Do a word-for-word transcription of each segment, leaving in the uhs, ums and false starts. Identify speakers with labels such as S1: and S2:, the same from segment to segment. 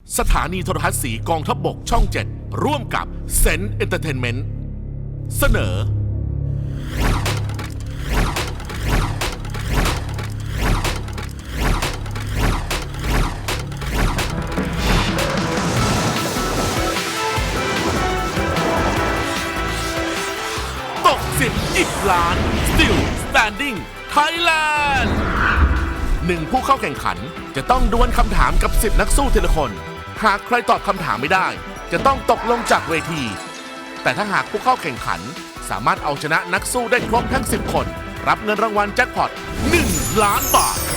S1: สถานีโทรทัศน์สีกองทัพบกช่องเจ็ดร่วมกับเซนเอนเตอร์เทนเมนต์เสนอตกสิบอีกล้าน Still Standing Thailand หนึ่งผู้เข้าแข่งขันจะต้องดวลคำถามกับสิบนักสู้ทีละคนหากใครตอบคำถามไม่ได้จะต้องตกลงจากเวทีแต่ถ้าหากผู้เข้าแข่งขันสามารถเอาชนะนักสู้ได้ครบทั้งสิบคนรับเงินรางวัลแจ็คพอตหนึ่งล้านบาท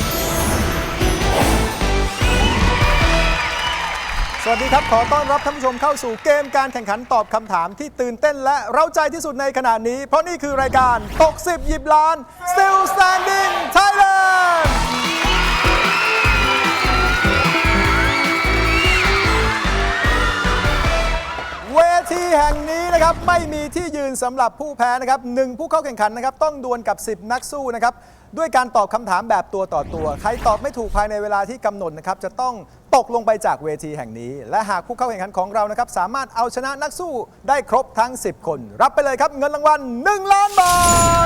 S2: สวัสดีครับขอต้อนรับท่านผู้ชมเข้าสู่เกมการแข่งขันตอบคำถามที่ตื่นเต้นและเร้าใจที่สุดในขณะนี้เพราะนี่คือรายการตกสิบหยิบล้าน Still Standing Thailandเวทีแห่งนี้นะครับไม่มีที่ยืนสำหรับผู้แพ้นะครับหนึ่งผู้เข้าแข่งขันนะครับต้องดวลกับสิบนักสู้นะครับด้วยการตอบคำถามแบบตัวต่อตัวใครตอบไม่ถูกภายในเวลาที่กำหนดนะครับจะต้องตกลงไปจากเวทีแห่งนี้และหากผู้เข้าแข่งขันของเรานะครับสามารถเอาชนะนักสู้ได้ครบทั้งสิบคนรับไปเลยครับเงินรางวัลหนึ่งล้านบาท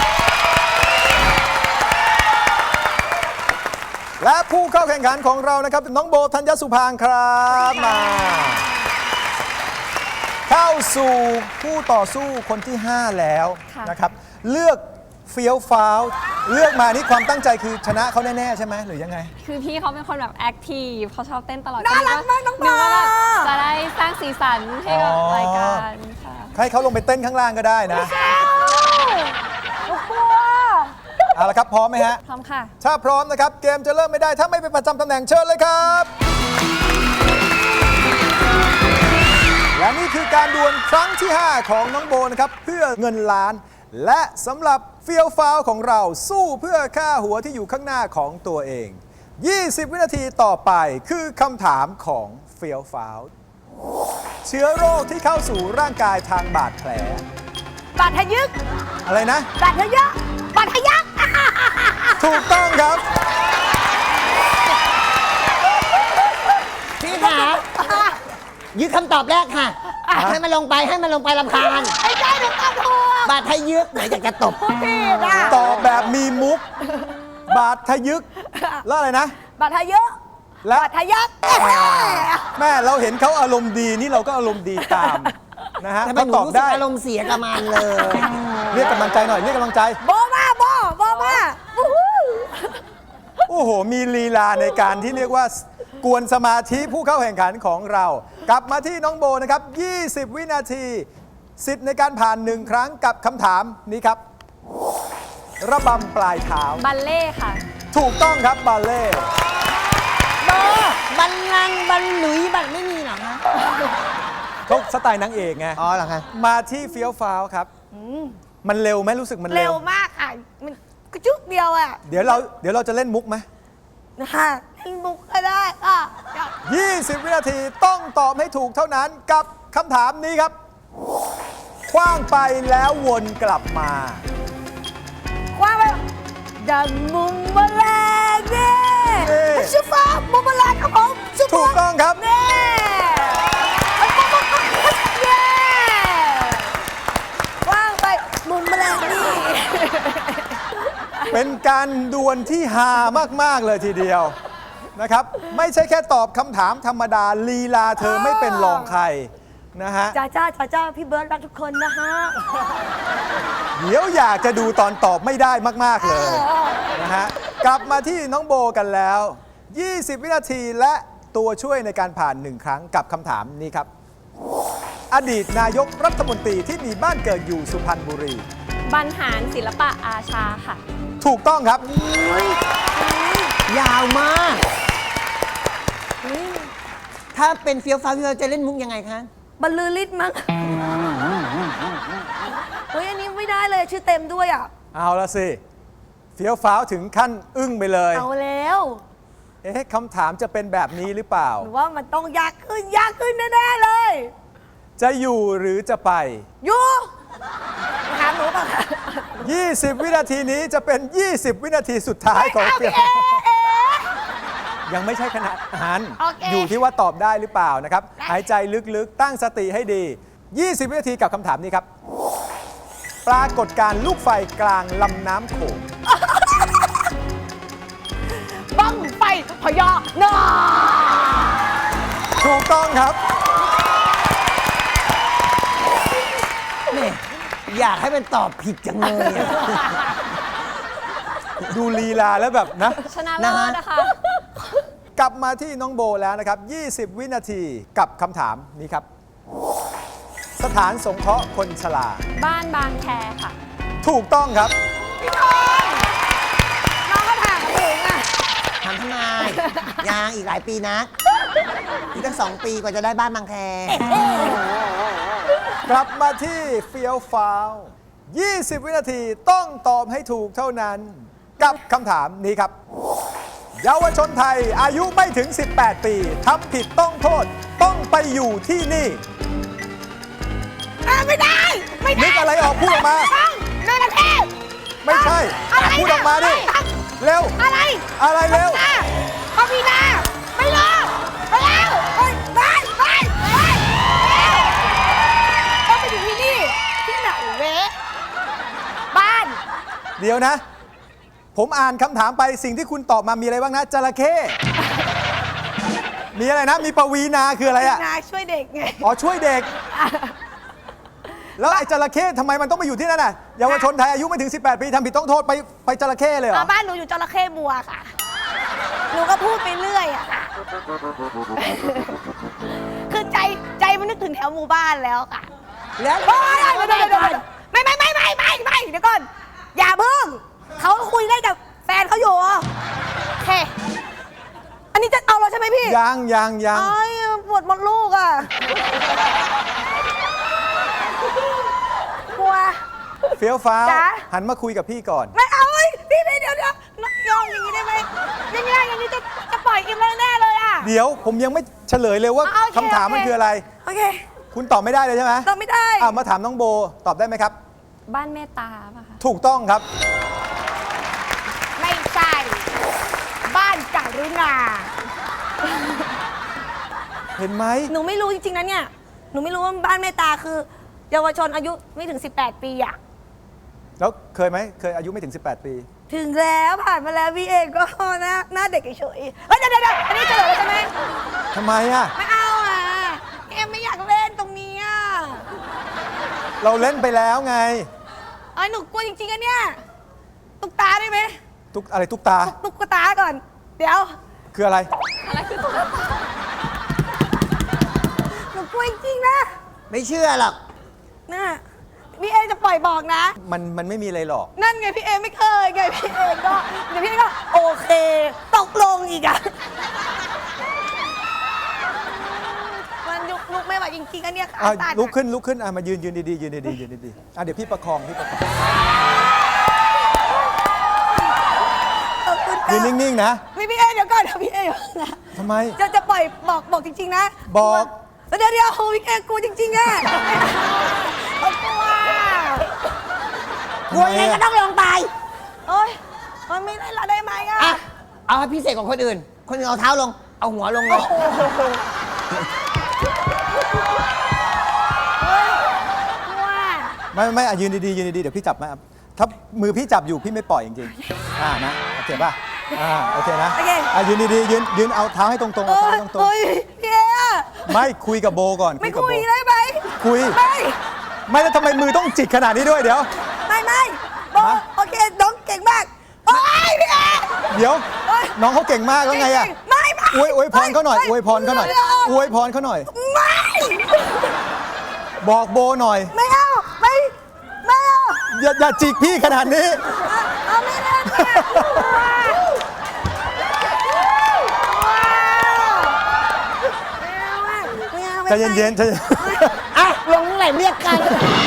S2: และผู้เข้าแข่งขันของเรานะครับน้องโบธัญญสุภางค์ครับมาเข้าสู่ผู้ต่อสู้คนที่ห้าแล้วนะครับเลือกเฟี้ยวฟ้าวเลือกมานี่ความตั้งใจคือชนะเขาแน่ๆใช่ไหมหรือยังไง
S3: คือพี่เขาเป็นคนแบบแอคทีฟเขาชอบเต้นตลอด
S4: น่ารักมากน้องบอล
S3: จะได้สร้างสีสันให้กับรายการค่ะ
S2: ให้เขาลงไปเต้นข้างล่างก็ได้นะ
S4: ลูกกลัว
S2: เอาละครับพร้อมไหมฮะ
S3: พร้อมค่ะ
S2: ถ้าพร้อมนะครับเกมจะเริ่มไม่ได้ถ้าไม่ไปประจำตำแหน่งเชิญเลยครับและนี่คือการดวลครั้งที่ห้าของน้องโบนะครับเพื่อเงินล้านและสำหรับเฟี้ยวฟ้าวของเราสู้เพื่อค่าหัวที่อยู่ข้างหน้าของตัวเองยี่สิบวินาทีต่อไปคือคำถามของเฟี้ยวฟ้าวเชื้อโรคที่เข้าสู่ร่างกายทางบาดแผล
S4: บาดทะยึก
S2: อะไรนะ
S4: บาดทะยักบาดทะยัก
S2: ถูกต้องครับ
S5: พี่ขายึดคำตอบแรกค่ะให้มันลงไปให้มันลงไปรำคาญ
S4: ไอ้ใจหนูตอบถูก
S5: บาดทะยึกไหนอยากจะตบ
S4: พี่นะ
S2: ตอบแบบมีมุกบาดทะยึกแล้วอะไรนะ
S4: บาดทะยึก
S2: และ
S4: บาดทะยัก
S2: แม่เราเห็นเขาอารมณ์ดีนี่เราก็อารมณ์ดีตามนะฮะ
S5: เขาตอบได้อารมณ์เสียกับมันเลย
S2: เรียกกำลังใจหน่อยเรียกกำลังใจ
S4: โบมาโบโบมา
S2: โอ้โหมีลีลาในการที่เรียกว่ากวนสมาธิผู้เข้าแข่งขันของเรากลับมาที่น้องโบนะครับยี่สิบวินาทีสิทธิ์ในการผ่านหนึ่งครั้งกับคำถามนี้ครับระบำปลายเท้า
S3: บัลเล่ค่ะ
S2: ถูกต้องครับบัลเล่
S5: โบบัลลังก์บัลหลุยบัลไม่มีหรอคะ
S2: เขาสไตล์นางเอกไง
S5: อ๋อเหรอคะ
S2: มาที่เฟี้ยวฟ้าวครับมันเร็วไหมรู้สึกมันเร็ว
S4: เร็วมากค่ะมันกระจุกเดียวอ่ะ
S2: เดี๋ยวเราเดี๋ยวเราจะเล่นมุกไหม
S4: นะคะเล่นมุกก็ได้ค่ะ
S2: ยี่สิบวินาทีต้องตอบให้ถูกเท่านั้นกับคำถามนี้ครับคว้างไปแล้ววนกลับมา
S4: คว้างไปดังมุมแมลงเนี่ยชุบฟ้ามุมแมลงครับผม
S2: ถูกต้องครับ
S4: เนี่ยคว้างไปมุมแมลงนี่
S2: เป็นการดวลที่ฮามากๆเลยทีเดียวนะครับไม่ใช่แค่ตอบคำถามธรรมดาลีลาเธอไม่เป็นรองใครนะฮะ
S4: จ้าจ้าจ้าจ้าพี่เบิร์ดรักทุกคนนะฮะ
S2: เดี๋ยวอยากจะดูตอนตอบไม่ได้มากๆเลยนะฮะกลับมาที่น้องโบกันแล้วยี่สิบวินาทีและตัวช่วยในการผ่านหนึ่งครั้งกับคำถามนี้ครับอดีตนายกรัฐมนตรีที่มีบ้านเกิดอยู่สุพรรณบุรี
S3: บรรหารศิลปะอาชาค่ะ
S2: ถูกต้องครับ
S5: ยาวมากถ้าเป็นเฟี้ยวฟ้าวพี่เราจะเล่นมุกยังไงคะ
S4: บรรลือฤทธิ์มั้งเฮ้ยอันนี้ไม่ได้เลยชื่อเต็มด้วยอ่ะ
S2: เอาละสิเฟี้ยวฟ้าวถึงขั้นอึ้งไปเลย
S4: เอาแล้ว
S2: เอ๊ะคำถามจะเป็นแบบนี้หรือเปล่า
S4: หรือว่ามันต้องยากขึ้นยากขึ้นแน่ๆเลย
S2: จะอยู่หรือจะไป
S4: อยู่ถามหนูป่ะ
S2: ยี่สิบวินาทีนี้จะเป็นยี่สิบวินาทีสุดท้ายของเฟี้ยวยังไม่ใช่ขนาดนั้น
S4: โอเค
S2: อยู่ที่ว่าตอบได้หรือเปล่านะครับ
S4: ได้
S2: หายใจลึกๆ ตั้งสติให้ดี ยี่สิบ วินาทีกับคำถามนี้ครับ ปรากฏการณ์ลูกไฟกลางลำน้ำโขง
S4: บังไฟพญานาค
S2: ถูกต้องครับ
S5: นี่อยากให้มันตอบผิดจังเลยอะ
S2: ดูลีลาแล้วแบบนะ
S3: ชนะเลิศนะคะ
S2: กลับมาที่น้องโบแล้วนะครับ ยี่สิบ วินาทีกับคำถามนี้ครับ สถานสงเคราะห์คนชรา
S3: บ้านบางแคค่ะ
S2: ถูกต้องครับ
S4: น้องก็ถามถึงอ่ะ
S5: ทำทำไมยังอีกหลายปีนะอีกตั้งสองปีกว่าจะได้บ้านบางแค
S2: กลับมาที่เฟียวฟ้าว ยี่สิบ วินาทีต้องตอบให้ถูกเท่านั้น กับคำถามนี้ครับ เยาวชนไทยอายุไม่ถึง สิบแปด ปีทำผิดต้องโทษ ต้องไปอยู่ที่นี่
S4: อ่ะไม่ได้ ไม่ได้
S2: นึกอะไรออกพูดออกมา
S4: ต้องนายประเทศ
S2: ไม่ใช่
S4: อะไร
S2: พูดออกมาดิ
S4: นะ
S2: เร็ว
S4: อะไร
S2: อะไรเร็ว
S4: นาพอมีนาไม่รอไปแล้วไปไปไปไปต้องไปอยู่ที่นี่ ที่ไหนเว้บ้าน
S2: เดี๋ยวนะ ผมอ่านคำถามไปสิ่งที่คุณตอบมามีอะไรบ้างนะจระเข้ มีอะไรนะ มีปวีนาคืออะไรอะ
S4: นาช่วยเด็กไง
S2: อ๋อช่วยเด็ก แล้วไอ้จระเข้ทำไมมันต้องไปอยู่ที่นั่นน่ะเยาวชนไทยอายุไม่ถึง สิบแปด ปีทำผิดต้องโทษไปไปจระเข้เลยเหรอ
S4: อ่ะบ้านหนูอยู่จระเข้บัวค่ะ หนูก็พูดไปเรื่อยอะค่ะ คือใจใจมันนึกถึงแถวหมู่บ้านแล้วค่ะ
S5: แล้ว
S4: โอ๊ยเดี๋ยวเดี๋ยวเดี๋ยวเดี๋ยวไม่ไม่ไม่ไม่ไม่ไม่เดี๋ยวก่อน อย่าเพิ่งเขาคุยได้กับแฟนเขาอยู่โอเค อันนี้จะเอาเราใช่ไหมพี่
S2: ยังยังยัง
S4: เอ้ยปวดมดลูกอ่ะกลัว
S2: เฟี้ยวฟ้าว
S4: จ๊ะ
S2: หันมาคุยกับพี่ก่อน
S4: ไม่เอาเอ้ยพี่พี่เดี๋ยวเดี๋ยวย่องอย่างนี้ได้ไหมยังไงอย่างนี้จะจะปล่อยอิมแล้วแน่เลยอ่ะ
S2: เดี๋ยวผมยังไม่เฉลยเลยว่า
S4: อ่ะโอเค
S2: คำถามมัน
S4: โอเค
S2: คืออะไร
S4: โอเค
S2: คุณตอบไม่ได้เลยใช่ไหม
S4: ตอบไม่ได้
S2: อ่ามาถามน้องโบตอบได้ไหมครับ
S3: บ้านเมตตาป่ะคะ
S2: ถูกต้องครับ
S4: ไม่ใช่ บ้านกรุณา
S2: เห็นไหม
S4: หนูไม่รู้จริงๆนะเนี่ย หนูไม่รู้ว่าบ้านเมตตาคือ เยาวชนอายุไม่ถึง สิบแปด ปีอะ
S2: แล้วเคยไหมเคยอายุไม่ถึง สิบแปด ปี
S4: ถึงแล้วผ่านมาแล้วพี่เองก็หน้าหน้าเด็กเฉยๆเฮ้ยเดี๋ยวเดี๋ยวเดี๋ยวอันนี้เฉลยแล้วใช่ไหม
S2: ทำไมอ่ะ
S4: ไม่เอาอ่ะเอ็มไม่อยากเล่นตรงนี้อ่ะ
S2: เราเล่นไปแล้วไง
S4: เอ้ยหนูกลัวจริงๆอะเนี่ย ตุ๊กตาได้ไหม
S2: ตุ๊กอะไรตุ๊กตา
S4: ตุ๊กตุ๊กตาก่อน เดี๋ยว
S2: คืออะไร
S3: อะไรคือตุ๊กตา
S4: หนูกลัวจริงๆนะ
S5: ไม่เชื่อหรอก
S4: น่ะพี่เอจะปล่อยบอกนะ
S2: มันมันไม่มีอะไรหรอก
S4: นั่นไงพี่เอไม่เคยไงพี่เอก็เดี๋ยวพี่เอก็โอเคตกลงอีกอะมันยุกลุกไม่ไหวจริงๆอันเนี้ยขา
S2: อ่ะ
S4: ตัดอะ
S2: ลุกขึ้นลุกขึ้นอ่ะมายืนยืนดีๆยืนดีๆยืนดีๆอ่ะเดี๋ยวพี่ประคองพี่ประคอง
S4: ขอบคุณ
S2: ยืน
S4: ค่ะ
S2: นิ่งๆนะ
S4: พี่พี่เอเดี๋ยวก่อนเดี๋ยวพี่เออย่าเพิ่งนะ
S2: ทำไม
S4: จะจะปล่อยบอกบอกจริง ๆ นะ
S2: บอก
S4: เดี๋ยวเดี๋ยวโอ้พี่เอกูจริงๆอะเอากลัว
S5: กลัวยังไงก็ต้องลงไป
S4: โอ๊ยมันไม่ได้ละได้ไหมอะ
S5: อ่ะ เอาให้พิเศษกว่าคนอื่น คนอื่นเอาเท้าลง เอาหัวลงเลย
S4: เฮ้ยกลัว
S2: ไม่ไม่อ่ะยืนดีๆยืนดีๆเดี๋ยวพี่จับมาถ้ามือพี่จับอยู่พี่ไม่ปล่อยจริงๆอ่านะโอเคป่ะอ่าโอเคนะ
S4: โอเค
S2: อ่ะยืนดีๆยืนยืนเอาเท้าให้ตรงๆ
S4: เอ
S2: เอา
S4: อ
S2: เท้าให้ตรง
S4: เฮ้ยพี่เออะ
S2: ๆไม่คุยกับโบก่อน
S4: ไม่
S2: กับ
S4: คุ
S2: โบ
S4: ยได้ไหม
S2: คุย
S4: ไม่
S2: ไม่แล้วทำไมมือต้องจิกขนาดนี้ด้วยเดี๋ยว
S4: ไม่ไม่โบ
S2: ฮะ
S4: โอเคน้องเก่งมากโอ้ยพี่เอ
S2: เดี๋ยว
S4: เอ้ย
S2: น้องเขาเก่งมากแล้วไงอ่ะ
S4: ไม่ไม่
S2: อวยอวยพรเขาหน่อย
S4: ไม่
S2: อวยพรเขาหน่อย
S4: ไม่เา
S2: อวยพรเขาหน่อย
S4: ไม่
S2: บอกโบหน่อย
S4: ไม่เอาไม่ไม่เอา
S2: อย่าอย่าจิกพี่ขนาดนี้
S4: เอาไม่เล่นเนี่ยว้าวไม่เอาอะไม่เอาไม่
S2: ใจเย็นๆใจเย็น
S5: อ่ะ ลงเมื่อไหร่เรียกกัน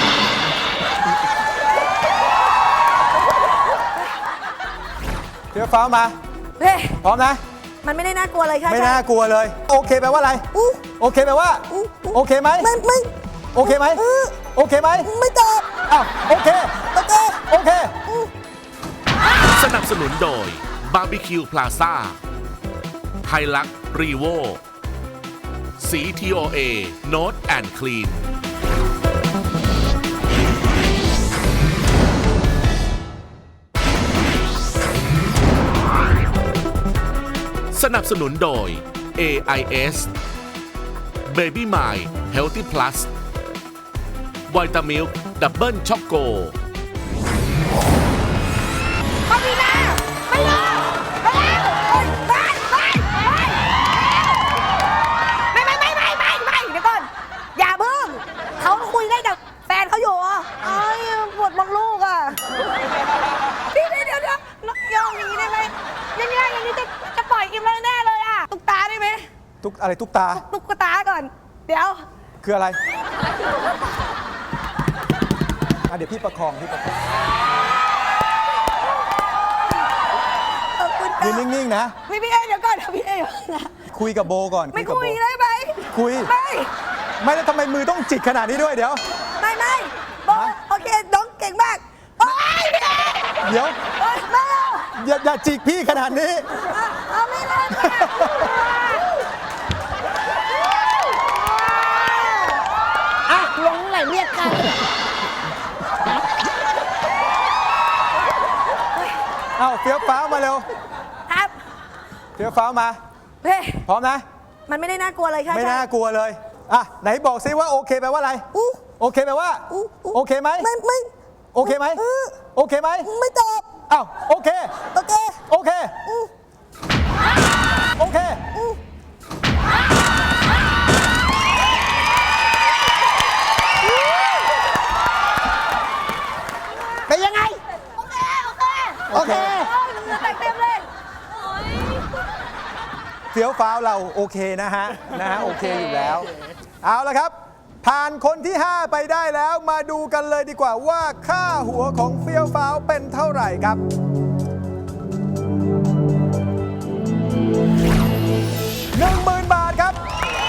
S2: เดี๋ยวฟ้ามา
S4: เฮ้ย
S2: พร้อมนะ
S4: มันไม่ได้น่ากลัวเลยค่ะ
S2: ไม่น่ากลัวเลย โอเคแปลว่าอะไร
S4: อู้
S2: โอเคแปลว่า
S4: อู้อู้
S2: โอเคไหม
S4: ไม่ไม่
S2: โอเคไหม
S4: อื้อ
S2: โอเคไหม
S4: ไม่ตอบ
S2: อ้าวโอเค
S4: โอเค
S2: โอเค
S1: สนับสนุนโดยบาร์บีคิวพลาซ่า Hilux Revo สี ที โอ เอ Note and Clean สนับสนุนโดย เอ ไอ เอส Baby My Healthy Plus Vitamilk Double Choco
S4: ปาวีนาไม่รอไม่แล้วไปไปไปไม่ไม่ไม่ไม่ไม่เดี๋ยวก่อนอย่าเพิ่งเขาคุยได้กับแฟนเขาอยู่อ่ะไอ้ปวดมองลูกอ่ะพี่เดี๋ยวเดี๋ยวเดี๋ยวย่องอย่างนี้ได้ไหมยังไงอย่างนี้จะจะปล่อยอิมแล้วแน่เลยอ่ะตุ๊กตาได้ไหม
S2: ตุ๊กอะไรตุ๊กตา
S4: ตุ๊กตาก่อนเดี๋ยว
S2: คืออะไรอ่ะเดี๋ยวพี่ประคองพี่ประคอง
S4: ขอบคุณ
S2: ยืนนิ่งๆนะ
S4: พี่พี่เอเดี๋ยวก่อนเดี๋ยวพี่เอนะ
S2: คุยกับโบก่อน
S4: ไม่
S2: กับ
S4: คุ
S2: โบ
S4: ยได้ไหม
S2: คุย
S4: ไม่
S2: ไม่แล้วทำไมมือต้องจิกขนาดนี้ด้วยเดี๋ยว
S4: ไม่ไม่บอกโอเคน้องเก่งมากโอ้ยพี่เอ
S2: เดี๋ยว
S4: โอ๊ยไม่เอา
S2: อย่าอย่าจิกพี่ขนาดนี้
S4: เอาเอาไม่ได้อ่ะลงไหลเรียกกัน
S2: เอ้าเฟี้ยวฟ้าวมาเร็ว
S4: ครับ
S2: เฟี้ยวฟ้าวมา
S4: เฮ้ย
S2: พร้อมนะ
S4: มันไม่ได้น่ากลัวเลยใช่ไหม
S2: ไม่น่ากลัวเลย อ่ะ ไหนบอกซิว่าโอเคแปลว่าอะไร
S4: อู้
S2: โอเคแปลว่า
S4: อู้อู้
S2: โอเคไหม
S4: ไม่ไม่
S2: โอเคไหม
S4: เออ
S2: โอเคไหม
S4: ไม่ตอบ
S2: อ้าวโอเค
S4: โอเค
S2: โอเค
S4: อู้
S2: โอเค
S4: อู้
S5: เป็นยังไง
S4: โอเคโอเค
S5: โอเค
S4: โอ้ยเหงื่อแตกเต็มเลยโอ้ย
S2: เฟี้ยวฟ้าวเราโอเคนะฮะ นะฮะ โอเคอยู่แล้ว เอาละครับ ผ่านคนที่ ห้า ไปได้แล้วมาดูกันเลยดีกว่าว่าค่าหัวของเฟี้ยวฟ้าวเป็นเท่าไหร่ครับ หนึ่งหมื่น บาทครับ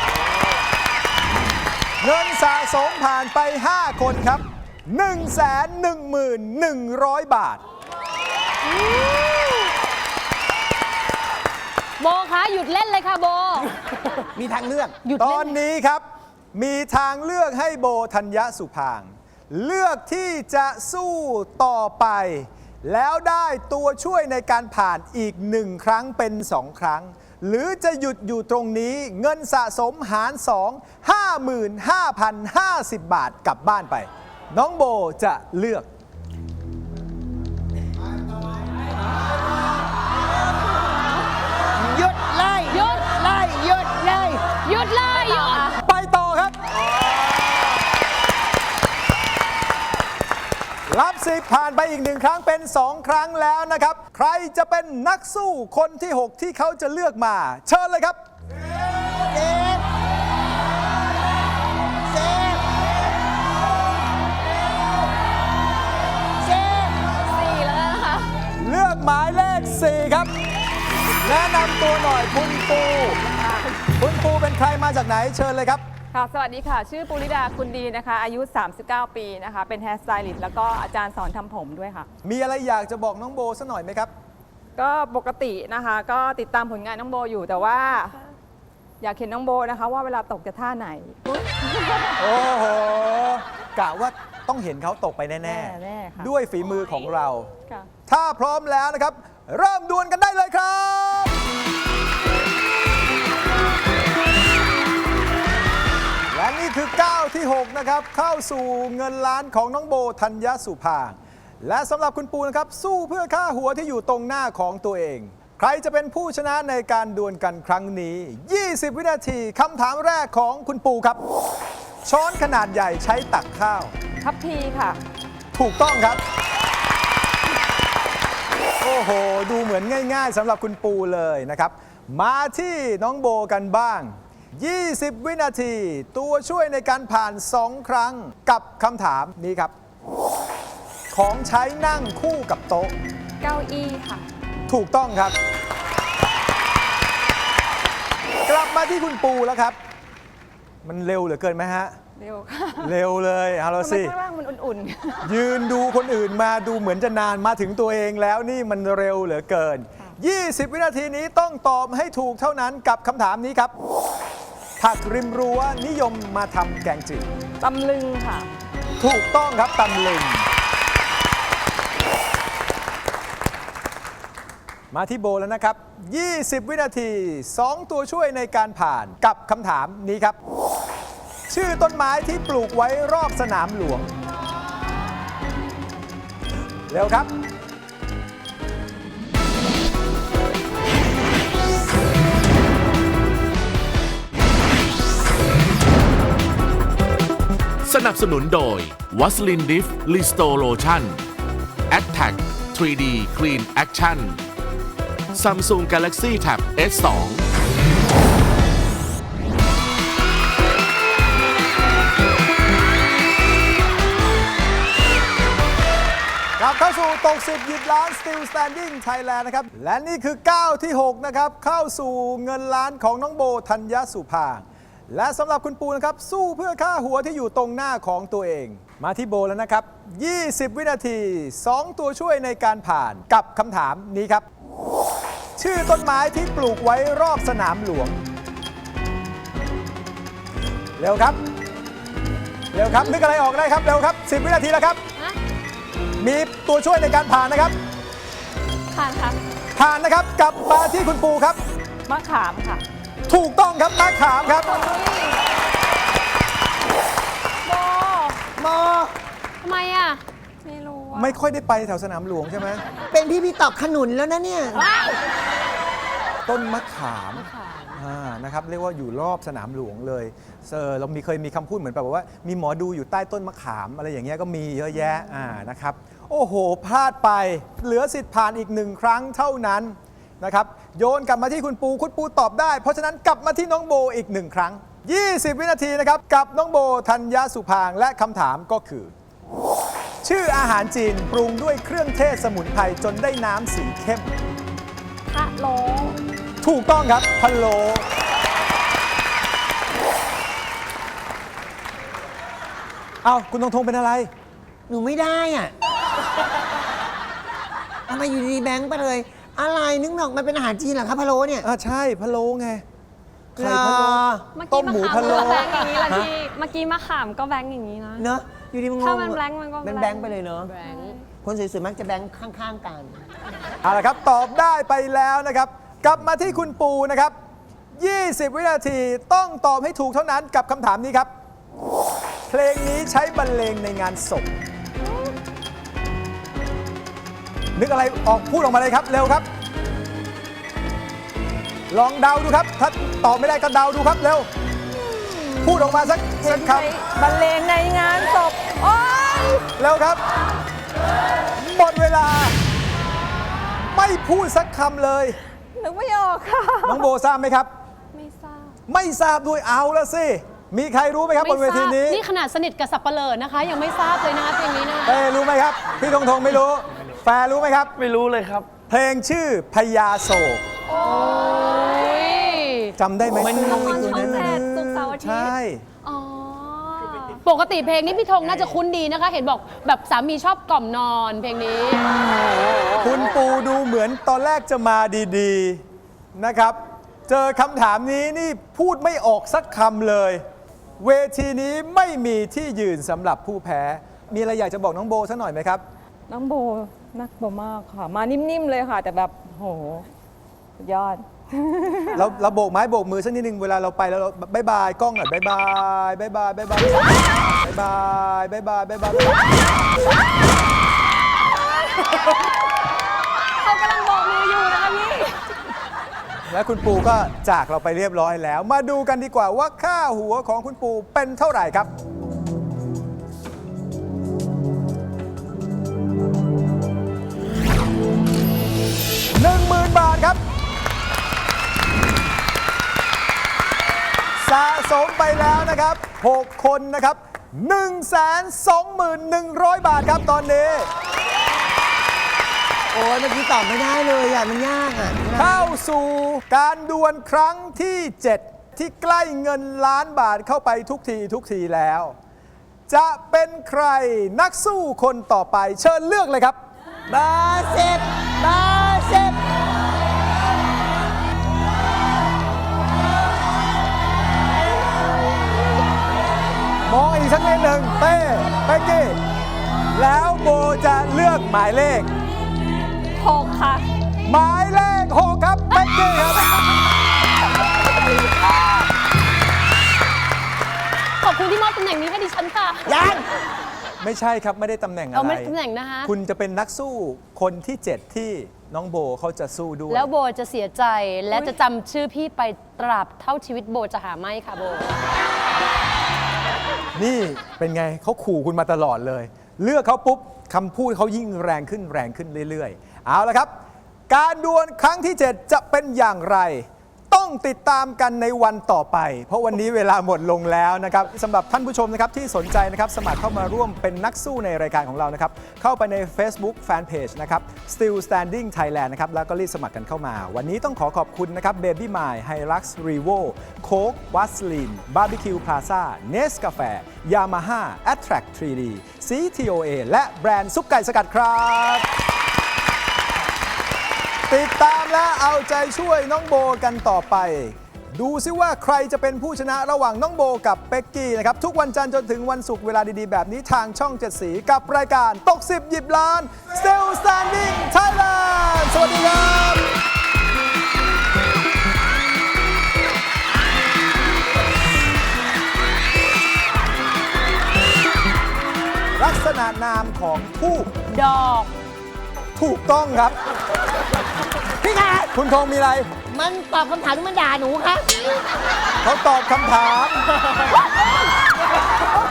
S2: เงินสะสมผ่านไป ห้า คนครับ หนึ่งแสนหนึ่งหมื่นหนึ่งร้อย บาท
S3: โบคะหยุดเล่นเลยค่ะโบ
S5: มีทางเลือก
S3: หยุด
S2: ต
S3: เล่
S2: อนนี้ครับ มีทางเลือกให้โบธัญญสุพางค์เลือกที่จะสู้ต่อไป แล้วได้ตัวช่วยในการผ่านอีกหนึ่งครั้งเป็นสองครั้ง หรือจะหยุดอยู่ตรงนี้เงินสะสมหาร สอง ห้าหมื่นห้าพันห้าสิบ บาทกลับบ้านไป น้องโบจะเลือก
S5: หยุดเลย
S3: หยุด
S5: เลยหยุดเลย
S3: หยุดเลยหยุด
S2: ไปต่อครับ รับสิบผ่านไปอีกหนึ่งครั้งเป็นสองครั้งแล้วนะครับ ใครจะเป็นนักสู้คนที่ หก ที่เขาจะเลือกมา เชิญเลยครับ
S5: เซฟเซฟเซฟ
S3: สี่แล้วนะคะ
S2: เลือกหมายเลข สี่ ครับ แนะนำตัวหน่อยคุณปู คุณปูเป็นใครมาจากไหนเชิญเลยครับ
S6: ค่ะสวัสดีค่ะ ชื่อปุริดาคุณดีนะคะ อายุ สามสิบเก้า ปีนะคะ เป็นแฮร์สไตลิสต์แล้วก็อาจารย์สอนทำผมด้วยค่ะ
S2: มีอะไรอยากจะบอกน้องโบสักหน่อยไหมครับ
S6: ก็ปกตินะคะ ก็ติดตามผลงานน้องโบอยู่แต่ว่า อยากเห็นน้องโบนะคะ ว่าเวลาตกจะท่าไหน
S2: โอ้โหกะว่าต้องเห็นเขาตกไปแน่
S6: แน่ๆค่ะ
S2: ด้วยฝีมือของเรา
S6: ค่ะ
S2: ถ้าพร้อมแล้วนะครับ เริ่มดวลกันได้เลยครับ และนี่คือก้าวที่ หก นะครับ เข้าสู่เงินล้านของน้องโบธัญญสุภางค์และสำหรับคุณปูนะครับ สู้เพื่อค่าหัวที่อยู่ตรงหน้าของตัวเอง ใครจะเป็นผู้ชนะในการดวลกันครั้งนี้ ยี่สิบ วินาทีคำถามแรกของคุณปูครับ ช้อนขนาดใหญ่ใช้ตักข้าว
S6: ทัพพีค่ะ
S2: ถูกต้องครับ โอ้โห ดูเหมือนง่ายๆสำหรับคุณปูเลยนะครับ มาที่น้องโบกันบ้าง ยี่สิบ วินาที ตัวช่วยในการผ่าน สอง ครั้งกับคำถามนี้ครับ ของใช้นั่งคู่กับโต๊ะ
S6: เก้าอี้ค่ะ
S2: ถูกต้องครับ กลับมาที่คุณปูแล้วครับ มันเร็วเหลือเกินไหมฮะ
S6: เร็วค่ะ
S2: เร็วเลยเอาละ
S6: ทำไม
S2: สิ
S6: ข้างล่างมันอุ่น
S2: ยืนดูคนอื่นมาดูเหมือนจะนานมาถึงตัวเองแล้วนี่มันเร็วเหลือเกินยี่สิบ วินาทีนี้ต้องตอบให้ถูกเท่านั้นกับคำถามนี้ครับผักริมรั้วนิยมมาทำแกงจืด
S6: ตำลึงค่ะ
S2: ถูกต้องครับตำลึงมาที่โบแล้วนะครับ ยี่สิบ วินาที สอง ตัวช่วยในการผ่านกับคำถามนี้ครับ ชื่อต้นไม้ที่ปลูกไว้รอบสนามหลวง เร็วครับ
S1: สนับสนุนโดยวัสลินดิฟลิสโตโลชั่น แอทแทค ทรี ดี Clean Action Samsung Galaxy Tab เอส ทู
S2: กลับเข้าสู่ตกสิบหยิบล้าน Still Standing Thailand นะครับ และนี่คือก้าวที่ หก นะครับ เข้าสู่เงินล้านของน้องโบธัญญสุภางค์และสำหรับคุณปูนะครับ สู้เพื่อค่าหัวที่อยู่ตรงหน้าของตัวเอง มาที่โบแล้วนะครับ ยี่สิบ วินาที สอง ตัวช่วยในการผ่านกับคำถามนี้ครับ ชื่อต้นไม้ที่ปลูกไว้รอบสนามหลวง เร็วครับ เร็วครับ นึกอะไรออกได้ครับ เร็วครับ สิบ วินาทีแล้วครับ มีตัวช่วยในการผ่านนะครับ
S3: ผ่านค่ะ
S2: ผ่านนะครับ กลับมาที่คุณปูครับ
S6: มะขามค่ะ
S2: ถูกต้องครับมะขามครับ
S3: โบ
S5: โม
S3: ทำไมอ่ะ ไม่รู้อะ
S2: ไม่ค่อยได้ไปแถวสนามหลวงใช่ไหม
S5: เป็นพี่พี่ตอบขนุนแล้วนะเนี่ย
S2: ต้นมะขาม
S3: ค่ะ
S2: อ่านะครับเรียกว่าอยู่รอบสนามหลวงเลยเออเรามีเคยมีคำพูดเหมือนแบบว่า มีหมอดูอยู่ใต้ต้นมะขามอะไรอย่างเงี้ยก็มีเยอะแยะอ่านะครับโอ้โหพลาดไปเหลือสิทธิ์ผ่านอีกหนึ่งครั้งเท่านั้นนะครับโยนกลับมาที่คุณปูคุณปูตอบได้ เพราะฉะนั้นกลับมาที่น้องโบอีกหนึ่งครั้ง ยี่สิบ วินาทีนะครับกับน้องโบธัญญสุภางค์และคำถามก็คือ ชื่ออาหารจีนปรุงด้วยเครื่องเทศสมุนไพรจนได้น้ำสีเข้ม
S3: พะโล
S2: ถูกต้องครับพะโล้เอาคุณธงธงเป็นอะไร
S5: หนูไม่ได้อ่ะทำไมอยู่ดีๆแบงค์ไปเลย อะไรนึกหนอกมันเป็นอาหารจีนเหรอครับพะโล้เนี่ย
S2: อ่าใช่พะโล้ไงไข่
S5: เหรอ
S2: พะโล้
S3: เมื่อ
S2: ต้
S3: กี้
S2: ม
S3: มะ
S2: หมู
S3: ขาม
S2: พะโล้
S3: ก็แบงค์อย่างนี้ละพี่ เมื่อกี้มะขามก็แบงค์อย่างนี้นะ
S5: เนอะอยู่ดีมันงง
S3: ถ้ามันแบงค์มันก็
S5: เป็น
S3: แบ
S5: แบ
S3: ง
S5: ง
S3: ค์
S5: ค์ไปเลยเนอะ
S3: แบงค์
S5: คนสวยๆมักจะแบงค์ข้างๆกัน
S2: เอาละครับตอบได้ไปแล้วนะครับ กลับมาที่คุณปูนะครับ ยี่สิบ วินาทีต้องตอบให้ถูกเท่านั้นกับคำถามนี้ครับ เพลงนี้ใช้บรรเลงในงานศพ นึกอะไรออกพูดออกมาเลยครับ เร็วครับ ลองเดาดูครับ ถ้าตอบไม่ได้ก็เดาดูครับ เร็ว พูดออกมาสักสักค
S6: บรรเลงในงานศพ โอ๊ย
S2: ำเร็วครับ หมดเวลา ไม่พูดสักคำเลย
S6: นึกไม่ออกค่ะ
S2: น้องโบทราบไหมครับ
S3: ไม่ทราบ
S2: ไม่ทราบด้วยเอาละสิ มีใครรู้ไหมครับบนเวทีนี้
S7: นี่ขนาดสนิทกับสับเปลอนะคะ ยังไม่ทราบเลยนะคะเพลงนี้นะคะ
S2: เต้รู้ไหมครับ พี่ธงธงไม่รู้ แฟร์รู้ไหมครับ
S8: ไม่รู้เลยครับ
S2: เพลงชื่อพญาโศก
S3: โอ้ย
S2: จำได้ไหม
S5: มันงง
S3: ตอนช่องแปดศุกร์เสาร์อาทิต
S2: ใช่
S3: ย์ อ๋อ
S7: ปกติเพลงนี้พี่ธงน่าจะคุ้นดีนะคะ เห็นบอกแบบสามีชอบกล่อมนอนเพลงนี้
S2: คุณปูดูเหมือนตอนแรกจะมาดีๆนะครับ เจอคำถามนี้นี่พูดไม่ออกสักคำเลย เวทีนี้ไม่มีที่ยืนสำหรับผู้แพ้ มีอะไรอยากจะบอกน้องโบสักหน่อยไหมครับ
S6: น้องโบนักโบมากค่ะ มานิ่ม ๆ เลยค่ะ แต่แบบโหสุดยอด
S2: เราเราโบกไม้โบกมือสักนิดนึงเวลาเราไปแล้วเราบายบายกล้องหน่อยบายบายบายบายบายบายบายบายบายบายบายบาย
S3: เขากำลังโบกมืออยู่นะคะพี่
S2: และคุณปูก็จากเราไปเรียบร้อยแล้ว มาดูกันดีกว่าว่าค่าหัวของคุณปูเป็นเท่าไหร่ครับ หนึ่งหมื่นบาทครับ สะสมไปแล้วนะครับ หก คนนะครับ หนึ่งแสนสองหมื่นหนึ่งร้อย บาทครับตอนนี้
S5: โอ้ยเมื่อกี้ตอบไม่ได้เลยอ่ะ มันยากอ่ะ
S2: เข้าสู่การดวลครั้งที่ เจ็ด ที่ใกล้เงินล้านบาทเข้าไปทุกทีทุกทีแล้ว จะเป็นใครนักสู้คนต่อไปเชิญเลือกเลยครับ
S5: เบอร์สิบเบอร์สิบ
S2: แล้วโบจะเลือกหมายเลข
S3: หกค่ะ
S2: หมายเลขหกครับเป๊กกี้ครับ
S7: ขอบคุณที่มอบตำแหน่งนี้ให้ดิฉันค่ะ
S5: ยัง
S2: ไม่ใช่ครับไม่ได้ตำแหน่งอะไร
S7: เอาไม่ได้ตำแหน่งนะคะ
S2: คุณจะเป็นนักสู้คนที่ เจ็ด ที่น้องโบเขาจะสู้ด้วย
S7: แล้วโบจะเสียใจและจะจำชื่อพี่ไปตราบเท่าชีวิตโบจะหาไม่ค่ะโบ
S2: นี่เป็นไงเขาขู่คุณมาตลอดเลย เลือกเขาปุ๊บคำพูดเขายิ่งแรงขึ้นแรงขึ้นเรื่อยๆ เอาละครับ การดวลครั้งที่ เจ็ด จะเป็นอย่างไร ต้องติดตามกันในวันต่อไป เพราะวันนี้เวลาหมดลงแล้วนะครับสำหรับท่านผู้ชมนะครับที่สนใจนะครับสมัครเข้ามาร่วมเป็นนักสู้ในรายการของเรานะครับเข้าไปใน Facebook Fanpage นะครับ Still Standing Thailand นะครับแล้วก็รีบสมัครกันเข้ามา วันนี้ต้องขอขอบคุณนะครับ Baby My Hilux Revo Coke Vaseline Barbecue Plaza Nescafe Yamaha Attract ทรี ดี ซี ที โอ เอ และแบรนด์ซุปไก่สกัดครับ ติดตามและเอาใจช่วยน้องโบกันต่อไป ดูซิว่าใครจะเป็นผู้ชนะระหว่างน้องโบกับเป็กกี้นะครับ ทุกวันจันทร์จนถึงวันศุกร์เวลาดีๆ แบบนี้ทางช่องเจ็ดสีกับรายการตกสิบหยิบล้าน Still Standing Thailand สวัสดีครับ ลักษณะนามของผู้
S7: ดอก
S2: ถูกต้องครับ
S5: พี่คะ
S2: คุณธงมีอะไร
S5: มันตอบคำถามหรือมันด่าหนูคะ
S2: เขาตอบคำถาม